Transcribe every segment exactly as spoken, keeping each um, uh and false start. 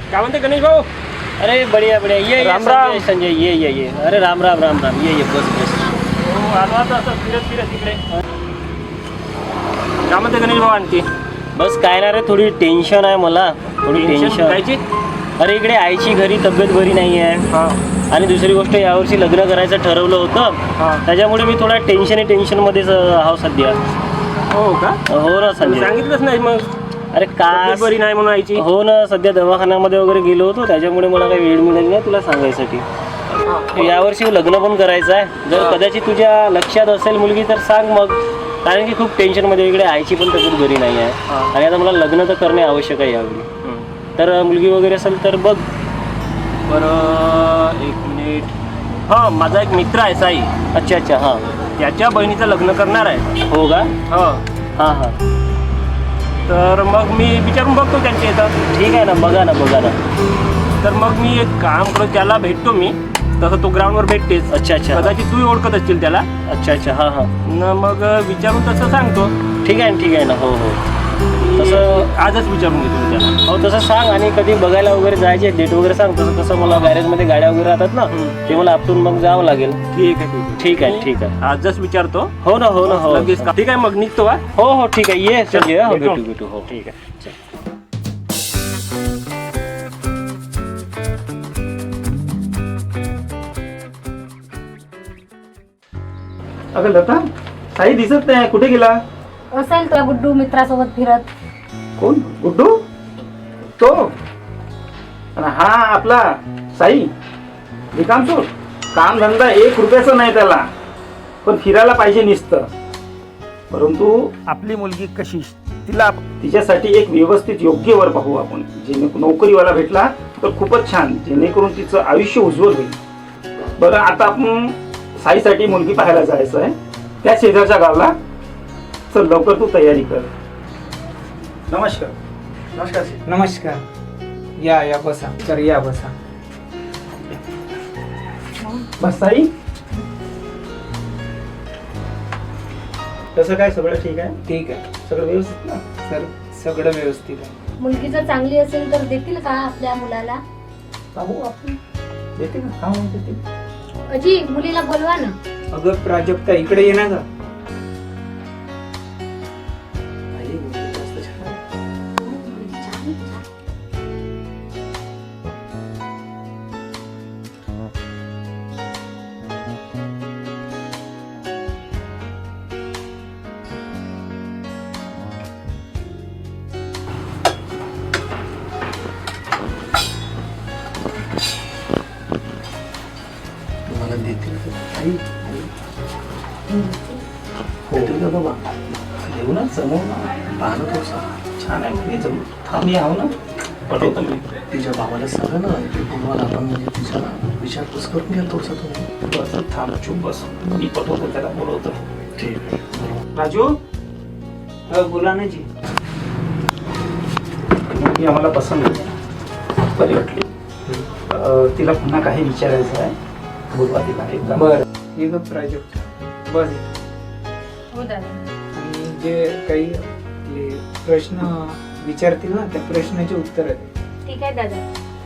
काय म्हणते गणेश भाऊ? अरे बढ़िया बढ़िया ये राम ये राम. संजय संजय ये ये ये अरे राम राम राम राम ये ये बस बस. हो आलो आता असं फिरत फिरत इकडे. काय म्हणते गणेश भाऊ आणखी? बस काय ना रे थोडी टेन्शन आहे मला थोडी टेन्शन. कायची? अरे इकडे आईची घरी तब्येत बरी नाही आहे हां आणि दुसरी गोष्ट यावर्षी लग्न करायचं ठरवलं होतं हां. त्याच्यामुळे मी थोडा टेन्शन टेन्शनमध्येच आहो सध्या. हो का? हो ना संजय. सांगितलंच नाही मग. अरे का तब्येत बरी नाही म्हणून आईची. हो ना सध्या दवाखान्यामध्ये वगैरे गेलो होतो त्याच्यामुळे मला काही वेळ मिळाली नाही तुला सांगायसाठी. यावर्षी लग्न पण करायचं आहे जर कदाचित तुझ्या लक्षात असेल मुलगी तर सांग मग कारण की खूप टेन्शनमध्ये इकडे आईची पण तब्येत बरी नाही आहे आणि आता मला लग्न तर करणे आवश्यक आहे यावेळी. तर मुलगी वगैरे असेल तर बघ. बरं एक मिनिट. हां माझा एक मित्र आहे साई. अच्छा अच्छा हां त्याच्या बहिणीचं लग्न करणार आहे. हो का? हो हां हां तर मग मी विचारून बघतो त्यांच्या इथं. ठीक आहे ना बघा ना बघा ना. तर मग मी एक काम करतो त्याला भेटतो मी तसं तो ग्राउंडवर भेटतेस. अच्छा अच्छा कदाचित तू ओळखत असतील त्याला. अच्छा अच्छा हां हां न मग विचारून तसं सांगतो. ठीक आहे ना ठीक आहे ना हो हो तसं आजच विचारून घेतो मी त्याला. हो तसं सांग आणि कधी बघायला वगैरे जायचे डेट वगैरे सांग तसं कसं मला गॅरेजमध्ये गाड्या वगैरे राहतात ना ते मला आपटून मग जावं लागेल. ठीक आहे ठीक आहे ठीक आहे ठीक आहे आजच विचारतो. हो ना हो ना हो लगेच का- ठीक आहे मग निघतो हा. हो हो ठीक आहे ये संजय हो भेटू. भेटू भेटू हो ठीक आहे. अगं लता साई दिसत नाही कुठे गेला? असेल तुला गुड्डू मित्रासोबत फिरत. कोण? गुड्डू? तो आणि हा आपला साई रिकाम सोड. काम धंदा एक रुपयाचा नाही त्याला पण फिरायला पाहिजे नुसतं. परंतु आपली मुलगी कशी तिला तिच्यासाठी एक व्यवस्थित योग्य वर पाहू आपण. जेणे नोकरीवाला भेटला तर खूपच छान जेणेकरून तिचं आयुष्य उज्ज्वल होईल. बरं आता आपण साईसाठी मुलगी पाहायला जायचं आहे त्या शेजारच्या गावाला. चल लवकर तू तयारी कर. नमस्कार. नमस्कार. नमस्कार या या बसा तर या बसा. बस साई कसं काय सगळं ठीक आहे? ठीक आहे सगळं व्यवस्थित ना? सर सगळं व्यवस्थित आहे. मुलगी जर चांगली असेल तर देतील का आपल्या मुलाला? पाहू आपण देते ना हा देते. अजी मुलीला बोलवा ना. अगं प्राजक्ता इकडे ये ना ग. आई, मस्त छान आहे. मला देतील का? आई, आई. देतील का बाबा? देऊ ना समोर ना पाहणं थोडंसं छान आहे म्हणजे जमू. थांब आहो ना पटवतो मी. तिच्या बाबाला सांगा ना ते तुम्हाला आपण म्हणजे तिच्या विचारपूस करून घ्या थोडसा तुम्ही. बस थांब चुप बस मी पटवतो त्याला बोलवतो. ठीक आहे. राजू अ, बोला ना जी. मुलगी आम्हाला पसंत आहे बरी वाटली. अं, तिला पुन्हा काही विचारायचं आहे बोलवा तिला एकदा. बर ये ग प्राजक्ता बस इथे. हो दादा. आणि जे काही आपले प्रश्न विचारतील ना त्या प्रश्नाचे उत्तर आहे. ठीक आहे दादा.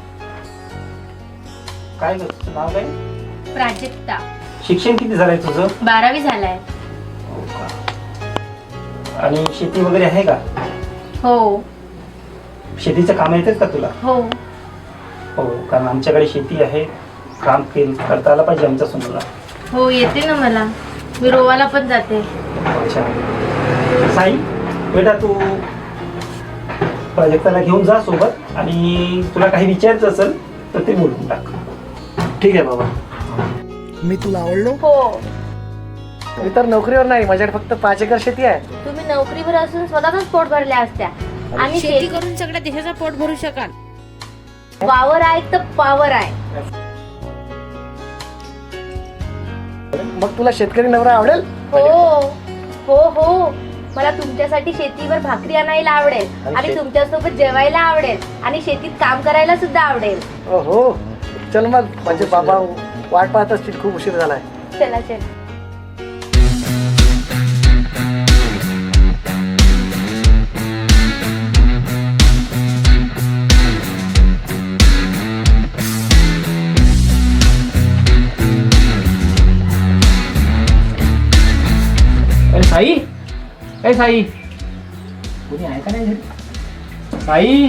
काय ग तुझं नाव काय? प्राजक्ता. शिक्षण किती झालंय तुझं? बारावी झालाय. हो का? आणि शेती वगैरे आहे का? हो शेतीचं काम येतात का तुला? हो हो कारण आमच्याकडे शेती आहे काम केल करता आलं पाहिजे आमच्या सुनाला. हो येते ना मला. मी रोवाला पण जाते. अच्छा साई बेटा तू प्राजक्ताला घेऊन जा सोबत आणि तुला काही विचारायचं असेल तर ते बोलून टाक. ठीक आहे बाबा. मी तुला आवडलो? हो मी तर नोकरीवर नाही माझ्याकडे फक्त पाच एकर शेती आहे. तुम्ही नोकरीवर असून स्वतःच पोट भरल्या असत्या आणि शेती करून सगळ्या देशाचं पोट भरू शकाल. वावर आहे तर पावर आहे. मग तुला शेतकरी नवरा आवडेल? हो हो हो मला तुमच्यासाठी शेतीवर भाकरी आणायला आवडेल आणि आणि शेत- तुमच्यासोबत जेवायला आवडेल आणि शेतीत काम करायला सुद्धा आवडेल. हो चल मग माझे बाबा वाट पाहत असतील खूप उशीर झालाय. चला चला. साई ए साई कोणी आहे का नाही घरी? साई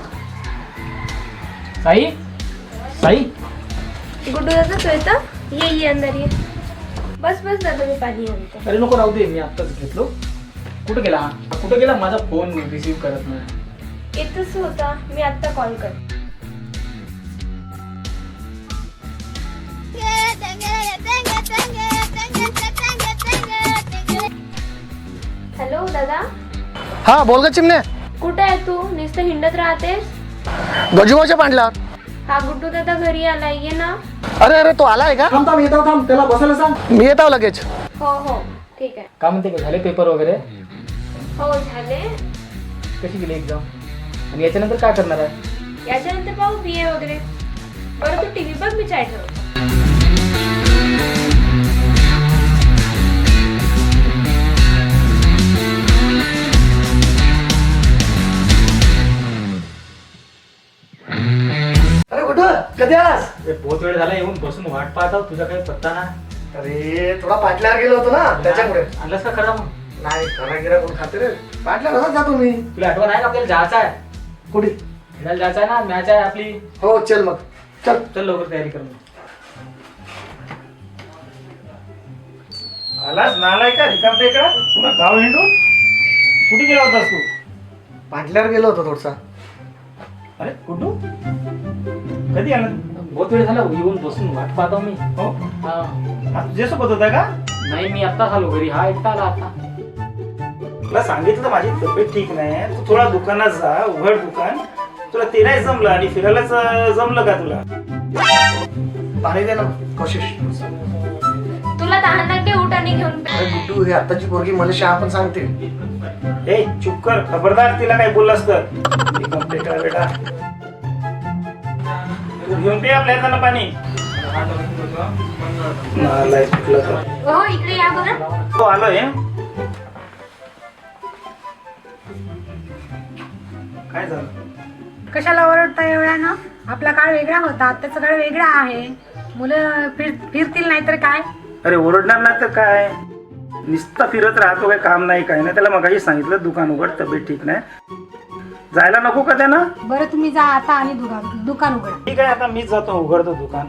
साई साई गुड्डू दादा तू येतं? ये ये अंदर ये. बस बस दादा मी पाणी आणते. अरे नको राहू दे, मी आत्ताच घेतलो. कुठं गेला हा? कुठं गेला? माझा फोन रिसीव्ह करत नाही. येतच होता, मी आत्ता कॉल कर. हॅलो दादा, हा बोल ग चिमणे. कुठे आहे तू? नुसतं हिंडत राहतेस. गजूबाच्या पांडल्यावर. हा गुड्डू दादा घरी आलाय, ये ना. अरे अरे तो आलाय का? थांब थांब येतो थांब, त्याला बसायला सांग. मी येत आहो लगेच. हो हो ठीक आहे. काय म्हणते, झाले पेपर वगैरे? हो झाले. कशी गेली एक्झाम? आणि याच्यानंतर काय करणार आहे? याच्यानंतर पाहू बी ए वगैरे. बरं तू टीव्ही बघ, मी चाय ठेवतो. अरे कुठं कधी आलास? बहुत वेळ झाला येऊन बसून वाट पाहता, तुझा काही पत्ता ना. अरे थोडा पाटल्यावर गेलो होतो ना त्याच्यामुळे. आणलंस का खरं? मग नाही खाना गिरा कोण खाते रे. पाटल्यावर कसाच जातो मी. तुला आठवण आहे का आपल्याला जायचं आहे? कुठे? खेळायला जायचं आहे ना, मॅच आहे आपली. हो चल मग चल. चल लवकर तयारी कर. मग आलाच नालाय का रिकाम टेकडा पुन्हा गाव हिंडून कुठे गेला होतास तू? पाटल्यावर गेलो होतो थोडसा. अरे कुठू कधी आला तू? बहुत वेळ झाला येऊन बसून वाट पाहतो मी. हो हा. हा तुझ्यासोबत होता का? नाही मी आत्ताच आलो घरी. हा एकटा आला आता. तुला सांगितलं माझी तब्येत ठीक नाही, तू थोडा दुकानात जा, उघड दुकान. तुला ते नाही जमलं आणि फिरायलाच जमलं का तुला? पाणी दे ना कोशिश. तुला तहान लागते, उठ आणि घेऊन पे. अरे गुड्डू ही आत्ताची पोरगी मला शहा पण सांगते. ए चुप कर, खबरदार तिला काही बोललास तर. रिकाम टेकडा बेटा, तू घेऊन पे आपल्या हातानं पाणी. नालाय कुठला तर. हो इकडे या बरं. तो आलोय. काय झालं? कशाला ओरडता एवढ्या ना? आपला काळ वेगळा होता, आताचा काळ वेगळा आहे. मुलं फिर फिरतील नाही तर काय. अरे ओरडणार नाही तर काय, नुसता फिरत राहतो, काही काम नाही काय नाही. त्याला मगाशी सांगितलं दुकान उघड, तब्येत ठीक नाही. जायला नको का त्यानं? बरं तुम्ही जा आता आणि दुकान दुकान उघडा. ठीक आहे, आता मीच जातो, उघडतो दुकान.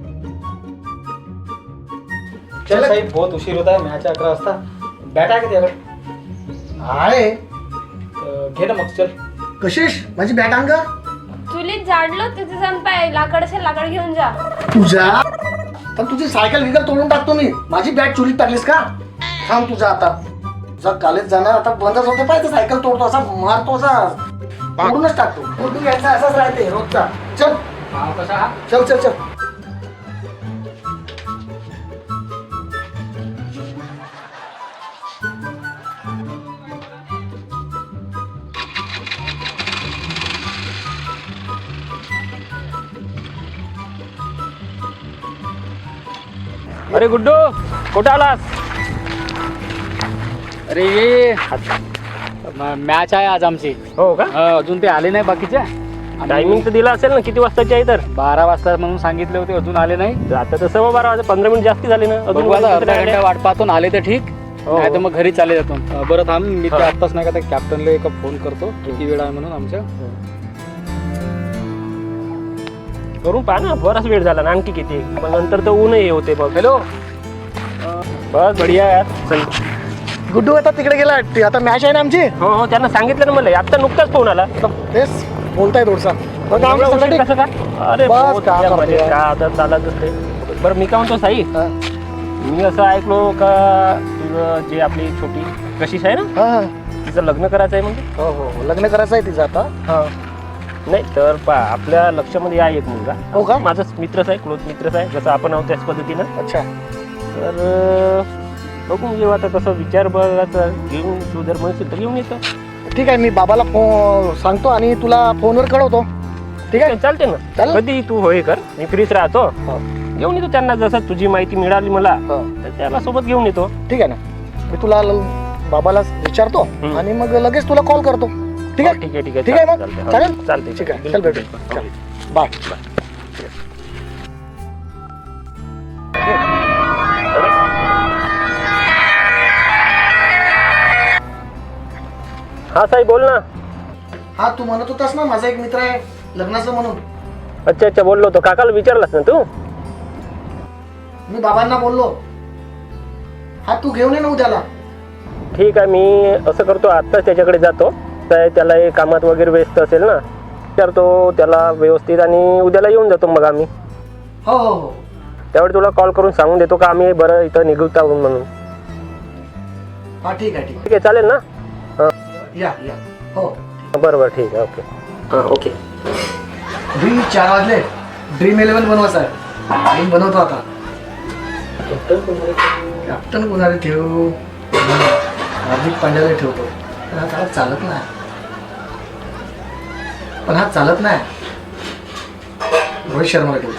चल साहेब, बहुत उशीर होत आहे. मॅच अकरा वाजता. बॅट आहे का त्याकडे? आहे. अं, घे ना मग. चल कशिश माझी बॅट आण का? चुलीत जाडलो तिथे जाऊन पाय. लाकड असेल लाकड घेऊन जा. तुझ्या तर तुझी सायकल विकल तोडून टाकतो मी. माझी बॅट चोरीत टाकलीस का? थांब तुझा आता. तुझा कॉलेज जाणार आता बंदच होते पाहिजे. सायकल तोडतो असा मारतो असा तोडूनच टाकतो. तू यायचा असाच राहते रोजचा. चल हा कसा हा? चल चल चल. अरे गुड्डू कुठं आलास? अरे ये मॅच आहे आज आमची. हो का? अं, अजून ते आले नाही बाकीचे. टायमिंग तर दिला असेल ना, किती वाजताची आहे तर? बारा वाजता म्हणून सांगितले होते, अजून आले नाही. आता तर सव्वा बारा वाजता, पंधरा मिनिट जास्ती झाले ना. बघू आता अर्धा घंटा वाट पाहतो. आले तर ठीक, हो. नाही तर मग घरी चाले जातो. अं, बरं थांब, मी ते हा. आत्ताच नाही का त्या कॅप्टनला एक फोन करतो किती वेळ आहे म्हणून आमच्या. करून पहा ना, बराच वेळ झाला ना, आणखी किती. पण नंतर तर ऊनही होते बघ. हॅलो. बस बढिया यार. चल. गुड्डू आता तिकडे गेला. ती आता मॅच आहे ना आमची. हो हो त्यांना सांगितलं ना मला, आता नुकताच फोन आला. तेच बोलताय थोडसा. एवढा उशीर कसं का? अरे बस, बहुत काय मजा मजा, करतोय? काय आता चालत असते. बरं मी काय म्हणतो साई, हा. मी असं ऐकलो का तुझं जे आपली छोटी कशिश आहे ना, हा हा. तिचं लग्न करायचं आहे म्हणजे? हो हो लग्न करायचं आहे तिचं आता. हा. नाही तर पा आपल्या लक्षामध्ये आहे एक मुलगा. हो का? माझाच मित्रच आहे, क्लोज मित्रच आहे, जसं आपण आहोत त्याच पद्धतीनं. अच्छा. तर बघून घेऊ आता, कसं विचार बघायचा. घेऊन तू जर म्हणशील तर घेऊन येतो. ठीक आहे, मी बाबाला फोन सांगतो आणि तुला फोनवर कळवतो. ठीक आहे चालते ना. चालेल. कधी तू होय कर, मी फ्रीच राहतो. हो. घेऊन येतो त्यांना, जसं तुझी माहिती मिळाली मला हो. तर त्याला सोबत घेऊन येतो. ठीक आहे ना, मी तुला ल- बाबाला विचारतो हम्म. आणि मग लगेच तुला कॉल करतो. ठीक आहे ठीक आहे ठीक आहे ठीक आहे मग चालतंय, हो. चालेल चालतंय ठीक आहे. चल बिलकुल, भेटू. बिलकुल. चल. Bye bye. हा साई बोल ना. हा तू म्हणत होतास ना माझा एक मित्र आहे लग्नाचं म्हणून. अच्छा अच्छा बोललो होतो. काकाला विचारलास ना तू? मी बाबांना बोललो. हा तू घेऊन ये ना उद्याला. ठीक आहे, मी असं करतो आत्ताच त्याच्याकडे जातो. काय त्याला हे कामात वगैरे व्यस्त असेल ना, विचारतो त्याला व्यवस्थित आणि उद्याला येऊन जातो मग आम्ही. हो हो हो. त्यावेळी तुला कॉल करून सांगून देतो का आम्ही बरं इथं निघत आहोत म्हणून. हा ठीक आहे ठीक ठीक आहे चालेल ना? आहे या या. हो बरं बरं ठीक आहे. ओके हां ओके. ड्रीम चार वाजले. ड्रीम इलेव्हन बनवायचं आहे. ड्रीम बनवतो आता. कॅप्टन कोणाला ठेवू? हार्दिक पांड्याला ठेवतो. पण हा त्याला चालत नाही. पण हा चालत नाही. रोहित शर्माला ठेवतो.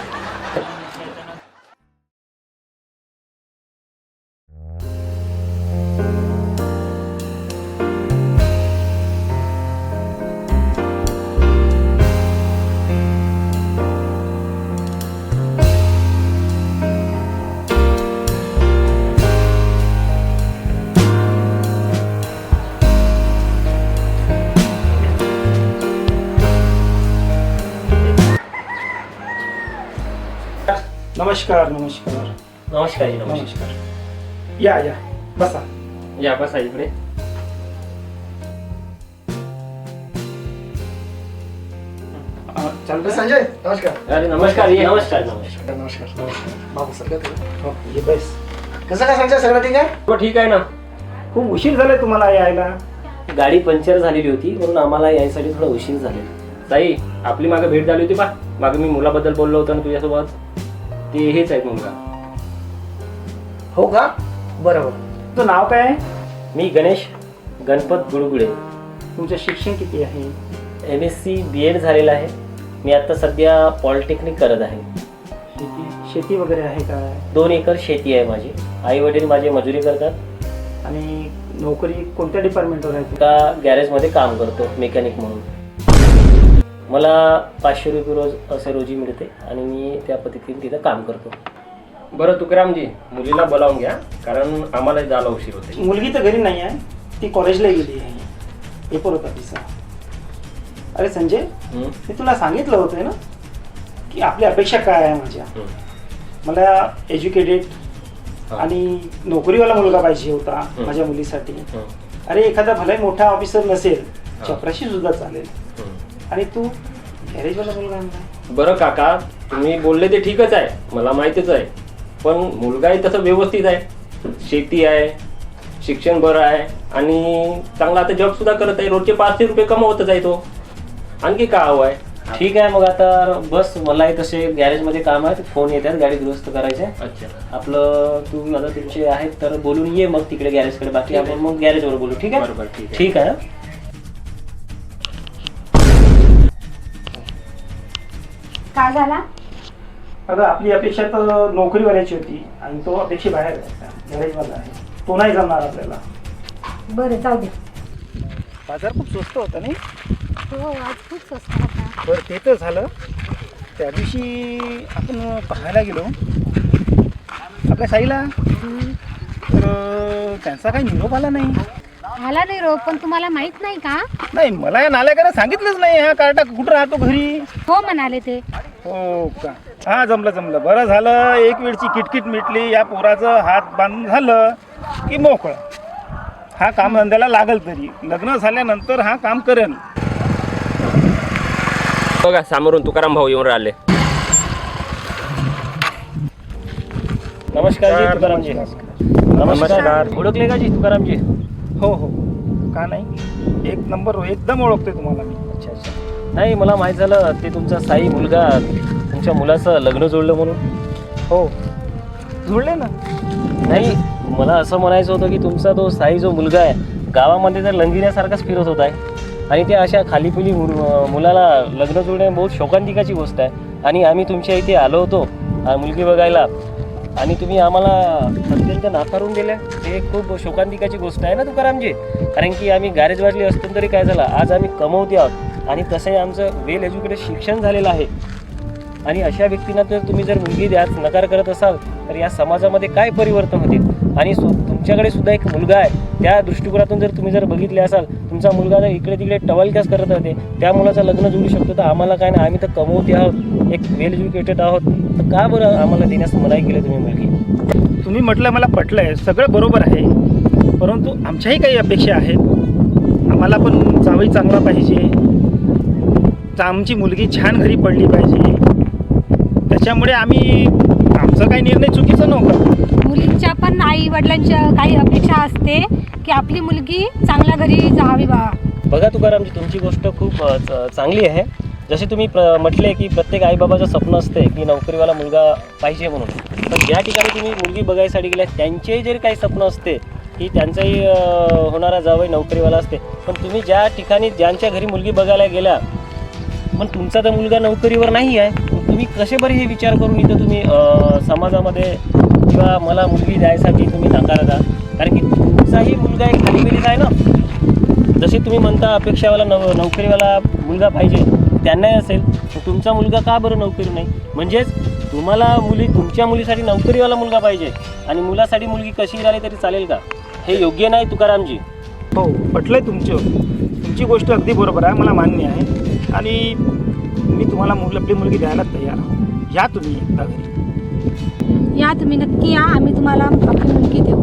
नमस्कार नमस्कार नमस्कार जी नमस्कार. नमस्कार. या या बसा. या बसा इकडे. अं, चालतंय? संजय नमस्कार. अरे नमस्कार ये. नमस्कार नमस्कार. नमस्कार. बाबू सगळं तुला. हो, ये बस. कसं काय संजय सगळं ठीक आहे? हो ठीक आहे ना. खूप उशीर झालाय तुम्हाला यायला. गाडी पंक्चर झालेली होती म्हणून आम्हाला यायसाठी थोडा उशीर झालेला. ताई आपली मागे भेट झाली होती पा. मागे मी मुलाबद्दल बोललो होतो ना तुझ्यासोबत. ते हेच आहेत मुलगा. हो का? बरोबर. तुझं नाव काय आहे? मी गणेश गणपत गुडगुडे. तुमचं शिक्षण किती आहे? M S C B Ed झालेलं आहे. मी आता सध्या पॉलिटेक्निक करत आहे. शेती शेती वगैरे आहे काय? दोन एकर शेती आहे माझी. आई वडील माझे मजुरी करतात. आणि नोकरी कोणत्या डिपार्टमेंटवर आहे? एका गॅरेजमध्ये काम करतो मेकॅनिक म्हणून. मला पाचशे रुपये रोज असे रोजी मिळते आणि मी त्या पद्धतीने तिथं काम करतो. बरं तुकारामजी मुलीला बोलावून घ्या कारण आम्हाला जायला उशीर होते. मुलगी तर घरी नाही आहे. ती कॉलेजला गेली आहे. पेपर होता तिचा. अरे संजय हं? मी तुला सांगितलं होतं ना की आपली अपेक्षा काय आहे माझ्या. हं. मला एज्युकेटेड हा. आणि नोकरीवाला मुलगा पाहिजे होता हं. माझ्या मुलीसाठी. हं. अरे एखादा भलाही मोठा ऑफिसर नसेल हा. चपराशी सुद्धा चालेल. हं. आणि तू गॅरेजवाला मुलगा आणला. बरं काका तुम्ही बोलले ते ठीकच आहे मला माहितीच आहे. पण मुलगाही तसं व्यवस्थित आहे. शेती आहे, शिक्षण बरं आहे आणि चांगला आता जॉब सुद्धा करत आहे. रोजचे पाचशे रुपये कमवतच आहे तो. आणखी का हवं आहे? ठीक आहे मग आता बस मलाही तसे गॅरेजमध्ये काम आहे. फोन येतात गाडी दुरुस्त करायचे. अच्छा आपलं तू आता तुमचे आहेत तर बोलून ये मग तिकडे गॅरेजकडे. बाकी आपण मग गॅरेजवर बोलू. ठीक आहे? बरोबर ठीक आहे. ठीक आहे. काय झाला? अगं आपली अपेक्षा तर नोकरीवाल्याची होती आणि तो अपेक्षे बाहेर आहे. गॅरेजवाला आहे. तो नाही जमणार आपल्याला. बरं जाऊ दे. बाजार खूप स्वस्त होता नाही? हो आज खूप स्वस्त होता. बरं ते तर झालं. त्या दिवशी आपण पाहायला गेलो आपल्या साईला. तर त्यांचा काही निरोप आला नाही. मला नाही रोग पण तुम्हाला माहित नाही का? नाही मला या नाल्याकानं सांगितलंच नाही. हा कार्टा कुठं राहतो घरी. हो म्हणाले ते. हो का? हा जमलं जमलं. बरं झालं एक वेळची किटकिट मिटली. या पोराचं हात बांधून झालं की मोकळं. हा काम धंद्याला लागल तरी लग्न झाल्यानंतर हा काम करेल. बघा समोरून तुकाराम भाऊ येऊन राहिले. नमस्कार जी तुकारामजी. नमस्कार. ओळखले का जी तुकारामजी? हो हो का नाही. एक नंबर एकदम ओळखतोय तुम्हाला मी. अच्छा अच्छा. नाही मला माहीत झालं ते तुमचा साई मुलगा तुमच्या मुलाचं लग्न जोडलं म्हणून. हो जुळले ना. नाही मला असं म्हणायचं होतं की तुमचा तो साई जो मुलगा आहे गावामध्ये तर लंगिण्यासारखाच फिरत होत आहे आणि त्या अशा खालीपिली मुलाला लग्न जोडणे बहुत शोकांतिकाची गोष्ट आहे. आणि आम्ही तुमच्या इथे आलो होतो मुलगी बघायला आणि तुम्ही आम्हाला अत्यंत नाकारून दिल्या. हे खूप शोकांतिकाची गोष्ट आहे ना तुकारामजी. कारण की आम्ही गॅरेजवाले असतो तरी काय झालं आज आम्ही कमवते आहोत आणि तसंही आमचं वेल एज्युकेटेड शिक्षण झालेलं आहे. आणि अशा व्यक्तींना तर तुम्ही जर मुलगी द्यास नकार करत असाल तर या समाजामध्ये काय परिवर्तन होतील. आणि तुमच्याकडे सुद्धा एक मुलगा आहे त्या दृष्टिकोनातून जर तुम्ही जर बघितले असाल, तुमचा मुलगा जर इकडे तिकडे टवलक्यास करत राहते, त्या मुलाचं लग्न जोडू शकतो, तर आम्हाला काय नाही, आम्ही तर कमवते आहोत, एक वेल एज्युकेटेड आहोत, तर का बरं आम्हाला देण्यास मनाई केली तुम्ही मुलगी? तुम्ही म्हटलं मला पटलं आहे, सगळं बरोबर आहे, परंतु आमच्याही काही अपेक्षा आहेत. आम्हाला पण जावई चांगला पाहिजे, आमची मुलगी छान घरी पडली पाहिजे. त्याच्यामुळे आम्ही आमचा काही निर्णय चुकीचा नव्हता. मुलींच्या पण आई वडिलांच्या काही अपेक्षा असते की आपली मुलगी चांगल्या घरी जावी बा. बघा तुकारामजी, तुमची गोष्ट खूप अ, च- चांगली आहे. जसे तुम्ही प्र म्हटले की प्रत्येक आईबाबाचं स्वप्न असते की नोकरीवाला मुलगा पाहिजे म्हणून, पण ज्या ठिकाणी तुम्ही मुलगी बघायसाठी गेल्या त्यांचेही जरी काही स्वप्न असते की त्यांचाही अ, होणारा जावई नोकरीवाला असते, पण तुम्ही ज्या ठिकाणी ज्यांच्या घरी मुलगी बघायला गेल्या पण तुमचा तर मुलगा नोकरीवर नाही आहे, मग तुम्ही कसे बरे हे विचार करून इथं तुम्ही अ, समाजामध्ये किंवा मला मुलगी द्यायसाठी तुम्ही नाकारता? कारण की तुमचाही मुलगा एक खालीपिलीच आहे ना. जसे तुम्ही म्हणता अपेक्षावाला नव नोकरीवाला मुलगा पाहिजे, त्यांनाही असेल, तर तुमचा मुलगा का बरं नोकरी नाही? म्हणजेच तुम्हाला मुली तुमच्या मुलीसाठी नोकरीवाला मुलगा पाहिजे आणि मुलासाठी मुलगी कशी राहिली तरी चालेल का? हे योग्य नाही तुकारामजी. हो, पटलंय तुमचं, तुमची गोष्ट अगदी बरोबर आहे, मला मान्य आहे. आणि मी तुम्हाला मुल आपली मुलगी द्यायला तयार आहो. या तुम्ही एकदा घरी. या तुम्ही नक्की या, आम्ही तुम्हाला आपली मुलगी देऊ.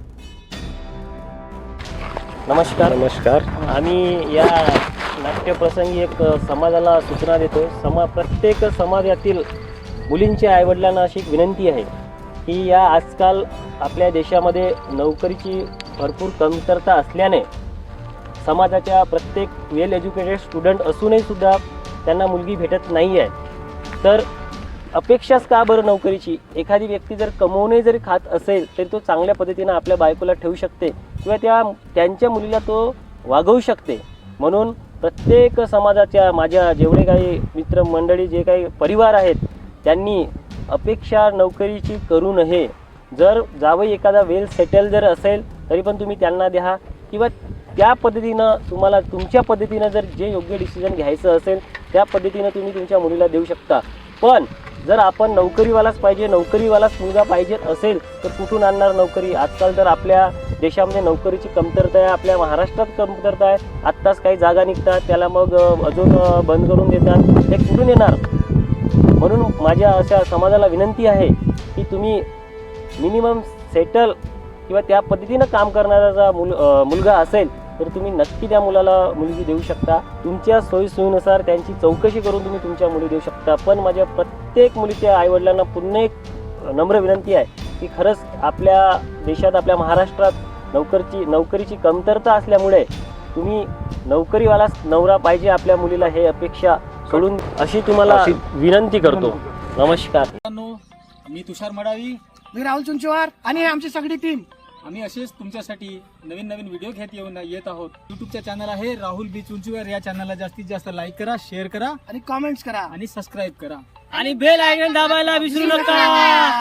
नमस्कार. नमस्कार. आम्ही या नाट्यप्रसंगी एक समाजाला सूचना देतो. समा प्रत्येक समाजातील मुलींच्या आईवडिलांना अशी एक विनंती आहे की या आजकाल आपल्या देशामध्ये नोकरीची भरपूर कमतरता असल्याने समाजाच्या प्रत्येक वेल एज्युकेटेड स्टुडंट असूनही सुद्धा त्यांना मुलगी भेटत नाही आहे. तर अपेक्षाच का बरं नोकरीची? एखादी व्यक्ती जर कमवूनही जरी खात असेल तरी तो चांगल्या पद्धतीनं आपल्या बायकोला ठेवू शकते किंवा त्या त्यांच्या मुलीला तो वागवू शकते. म्हणून प्रत्येक समाजाच्या माझ्या जेवढे काही मित्रमंडळी जे काही परिवार आहेत त्यांनी अपेक्षा नोकरीची करू नये. जर जावई एखादा वेल सेटल जर असेल तरी पण तुम्ही त्यांना द्या किंवा त्या पद्धतीनं तुम्हाला तुमच्या पद्धतीनं जर जे योग्य डिसिजन घ्यायचं असेल त्या पद्धतीनं तुम्ही तुमच्या मुलीला देऊ शकता. पण जर आपण नोकरीवालाच पाहिजे, नोकरीवालाच मुलगा पाहिजे असेल तर कुठून आणणार नोकरी? आजकाल तर आपल्या देशामध्ये नोकरीची कमतरता आहे, आपल्या महाराष्ट्रात कमतरता आहे. आत्ताच काही जागा निघतात त्याला मग अजून बंद करून देतात, हे कुठून येणार? म्हणून माझ्या अशा समाजाला विनंती आहे की तुम्ही मिनिमम सेटल किंवा त्या पद्धतीनं काम करणारा मुल मुलगा असेल तर तुम्ही नक्की त्या मुलाला मुलगी देऊ शकता. तुमच्या सोयीसोयीनुसार त्यांची चौकशी करून तुम्ही तुमच्या मुली देऊ शकता. पण माझ्या प्रत्येक मुलीच्या आईवडिलांना पुन्हा एक नम्र विनंती आहे की खरंच आपल्या देशात आपल्या महाराष्ट्रात नोकरीची नोकरीची कमतरता असल्यामुळे तुम्ही नोकरीवालाच नवरा पाहिजे आपल्या मुलीला हे अपेक्षा सोडून अशी तुम्हाला विनंती करतो. नमस्कार. मी तुषार मडावी, मी राहुल चुंचवार आणि आमची सगळी टीम आम्ही असेच तुमच्यासाठी नवीन नवीन व्हिडिओ घेत येऊन येत आहोत. युट्यूबचा चॅनल आहे राहुल बी चुंचवार. या चॅनलला जास्तीत जास्त लाईक करा, शेअर करा आणि कॉमेंट्स करा आणि सबस्क्राईब करा. आणि बेल आयकॉन दाबायला विसरू नका.